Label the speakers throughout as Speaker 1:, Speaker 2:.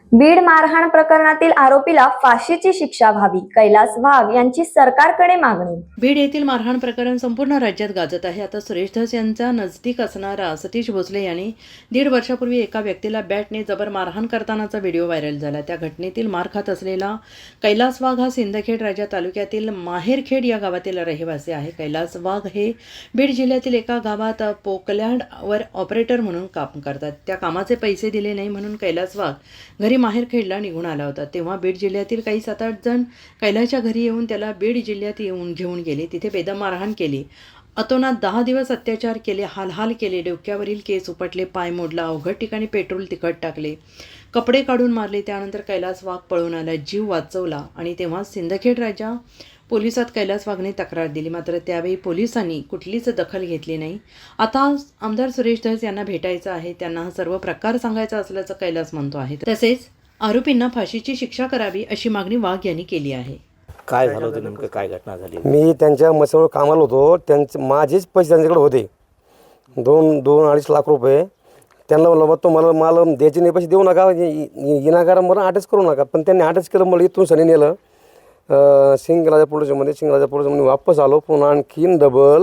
Speaker 1: बीड मारहाण प्रकरणातील आरोपीला फाशीची शिक्षा व्हावी, कैलास वाघ यांची सरकारकडे मागणी।
Speaker 2: बीड येथील मारहाण प्रकरण संपूर्ण राज्यात गाजत आहे। आता सुरेश धस यांचा नजदीक असणारा सतीश भोसले यांनी 1.5 वर्षापूर्वी एका व्यक्तीला बॅटने जबर मारहाण करतानाचा व्हिडिओ व्हायरल झाला। त्या घटनेतील मार खात असलेला कैलास वाघ हा सिंदखेड राजा तालुक्यातील माहेरखेड या गावातील रहिवासी आहे। कैलास वाघ हे बीड जिल्ह्यातील एका गावात पोकलँडवर ऑपरेटर म्हणून काम करतात। त्या कामाचे पैसे दिले नाही म्हणून कैलास वाघ घरी माहेरखेडला निघून आला होता। तेव्हा बीड जिल्ह्यातील काही 7-8 जण कैलासच्या घरी येऊन त्याला बीड जिल्ह्यात येऊन घेऊन गेले। तिथे बेदम मारहाण केली। अतोनात 10 दिवस अत्याचार केले, हालहाल केले, डोक्यावरील केस उपटले, पाय मोडला, अवघड ठिकाणी पेट्रोल तिखट टाकले, कपडे काढून मारले। त्यानंतर कैलास वाघ पळून आला, जीव वाचवला आणि तेव्हा सिंदखेड राजा पोलिसात कैलास वाघने तक्रार दिली। मात्र त्यावेळी पोलिसांनी कुठलीच दखल घेतली नाही। आता आमदार सुरेश धस यांना भेटायचं आहे, त्यांना हा सर्व प्रकार सांगायचा असल्याचं कैलास म्हणतो आहे। तसेच आरोपींना फाशीची शिक्षा करावी अशी मागणी वाघ यांनी केली आहे।
Speaker 3: काय झालं होतं नेमकं, काय घटना झाली?
Speaker 4: मी त्यांच्या मसावर कामाला होतो। त्यांचे माझेच पैसे त्यांच्याकडे होते, 2-2.5 लाख रुपये। त्यांना म्हणलं तो मला द्यायचे नाही, पैसे देऊ नका, विनाकारण मला अटॅच करू नका। पण त्यांनी अटॅच केलं, मला इथून सनी नेलं सिंगराजा पोलिसमध्ये वापस आलो। पुन्हा आणखीन डबल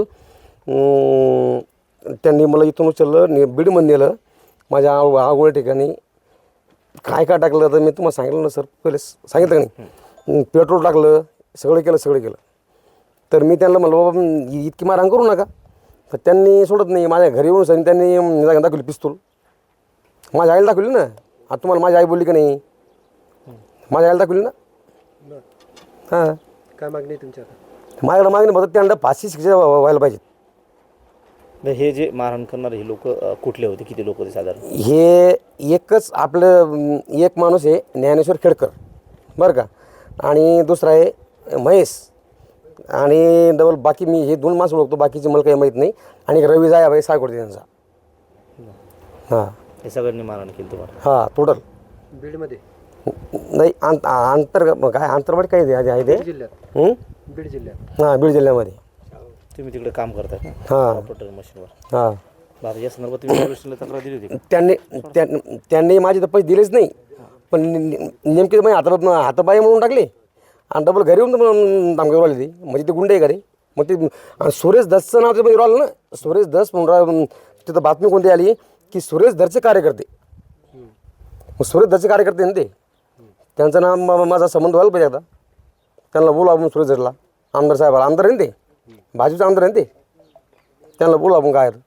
Speaker 4: त्यांनी मला इथून उचललं, बीडमध्ये नेलं माझ्या आवड ठिकाणी। काय टाकलं तर मी तुम्हाला सांगितलं ना सर, पहिले सांगितलं नाही, पेट्रोल टाकलं, सगळं केलं। तर मी त्यांना म्हणलं बाबा इतकी मारहाण करू नका, तर त्यांनी सोडत नाही। माझ्या घरी येऊन सर त्यांनी दाखवली पिस्तूल, माझ्या आईला दाखवली ना। आता तुम्हाला माझी आई बोलली का नाही? माझ्या आईला दाखवली ना। हां,
Speaker 5: काय मागणी आहे तुमच्या?
Speaker 4: माझ्याकडे मागणी फक्त त्यांना फाशी शिक्षा व्हायला पाहिजे।
Speaker 3: हे जे मारहाण करणारे हे लोक कुठले होते, किती लोक होते साधारण?
Speaker 4: हे एकच आपलं एक माणूस आहे ज्ञानेश्वर खेडकर बरं का, आणि दुसरा आहे महेश, आणि डबल बाकी मी हे 2 माणसं ओळखतो, बाकीचे मला काही माहीत नाही। आणि रवी जायाबाई सायकोडे त्यांचा। हां,
Speaker 3: हे सगळ्यांनी मारहाण केली तुम्हाला?
Speaker 4: हां, टोटल
Speaker 5: बीडमध्ये
Speaker 4: नाही, काय अंतर्गत काही आहे ते
Speaker 5: जिल्ह्यात, बीड जिल्ह्यात।
Speaker 4: हां, बीड जिल्ह्यामध्ये।
Speaker 3: तुम्ही तिकडे काम करता का?
Speaker 4: हां
Speaker 3: ऑपरेटर मशीनवर?
Speaker 4: हां।
Speaker 3: बाबा या संदर्भात तुम्ही पोलिसांना तक्रार दिली होती का?
Speaker 4: त्यांनी माझे तर पैसे दिलेच नाही, पण नेमके माझे हातापाय म्हणून टाकले आणि डबल घरी येऊन धमकी आली ती, म्हणजे ते गुंडे आहे घरी। मग ते सुरेश धसचं नाव ते आलं ना, सुरेश धस म्हणून तिथं बातमी कोणती आली की सुरेश धसचे कार्यकर्ते, मग सुरेश धसचे कार्यकर्ते ना ते, त्यांचं नाव माझा संबंध व्हायला पाहिजे। आता त्यांना बोलू आपण सुरेश धसला, आमदार साहेबाला, आमदार आहे ना ते, भाजपचे आमदार आहे ना ते, त्यांना बोलू आपण काय।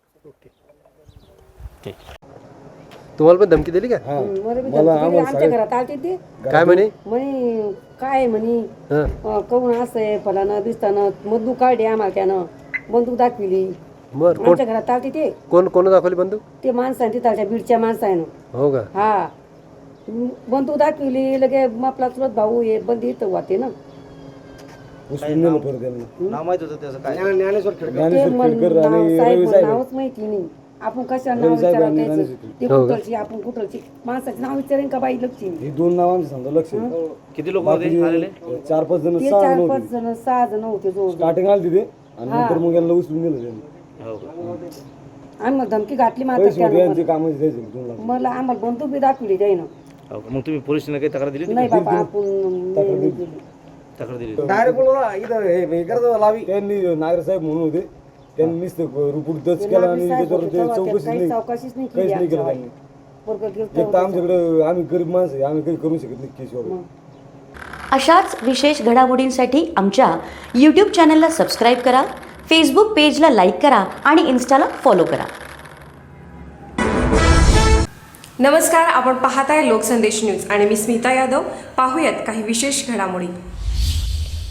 Speaker 5: तुम्हाला पण धमकी दिली का?
Speaker 6: आमच्या घरात आलते ते,
Speaker 5: काय म्हणे?
Speaker 6: म्हणे काय म्हणे कहून असं आहे फलाना दिसताना बंदूक काढली, आम्हाला त्यानं बंदूक दाखविली।
Speaker 5: बरं,
Speaker 6: आमच्या घरात आलते ते,
Speaker 5: कोण दाखवली बंदूक?
Speaker 6: ते माणसाने तिथालच्या बीडच्या माणसानं।
Speaker 5: हो का?
Speaker 6: हा, बंदूक दाखविली, लगे आपला चुलत भाऊ हे बंदी इथं होते ना।
Speaker 3: नाव माहित होतं त्याचं काय?
Speaker 4: ज्ञानेश्वर खेडकर।
Speaker 6: ते साहेब नावच माहिती नाही, आपण कशा नाव विचारायचं? ते कुठलची, आपण कुठलची, माणसाचं नाव विचारेन का बाई लक्षी?
Speaker 7: हे 2 नावांचं समजा लक्ष।
Speaker 3: किती लोक होते आलेले?
Speaker 7: 4-5 जण,
Speaker 6: ते 4-5 जण, 6 जण होते जो
Speaker 7: स्टार्टिंग आली तिथे, आणि नंतर मग यांना उचलून नेलं त्यांनी।
Speaker 3: हो का?
Speaker 6: आम्ही धमकी घातली मात्र
Speaker 7: पैसे
Speaker 6: त्यानं
Speaker 7: यांचे कामच द्यायचे 2 लाख।
Speaker 6: मला आम्हाला बंदूक बी दाखवली त्यानं।
Speaker 3: हो का? मग तुम्ही पोलिसांना काही तक्रार दिली होती?
Speaker 6: नाही बाबा, आपण
Speaker 3: तक्रार दिली होती?
Speaker 4: डायरेक्ट बोलला इथं हे करतो लावी।
Speaker 7: त्यांनी नागर साहेब म्हणून होते, त्यांनी नुसतं रिपोर्ट दर्ज केला आणि त्याच्यावर ते चौकशीच नाही, काहीच नाही केलं त्यांनी। एक तर आमच्याकडे आम्ही गरीब माणसं आहे, आम्ही काही करू शकत नाही केस वगैरे।
Speaker 8: अशाच विशेष घडामोडींसाठी आमच्या यूट्यूब चॅनलला सबस्क्राईब करा, फेसबुक पेजला लाईक करा आणि इन्स्टाला फॉलो करा।
Speaker 9: नमस्कार, आपण पाहताय लोकसंदेश न्यूज आणि मी स्मिता यादव। पाहूयात काही विशेष घडामोडी।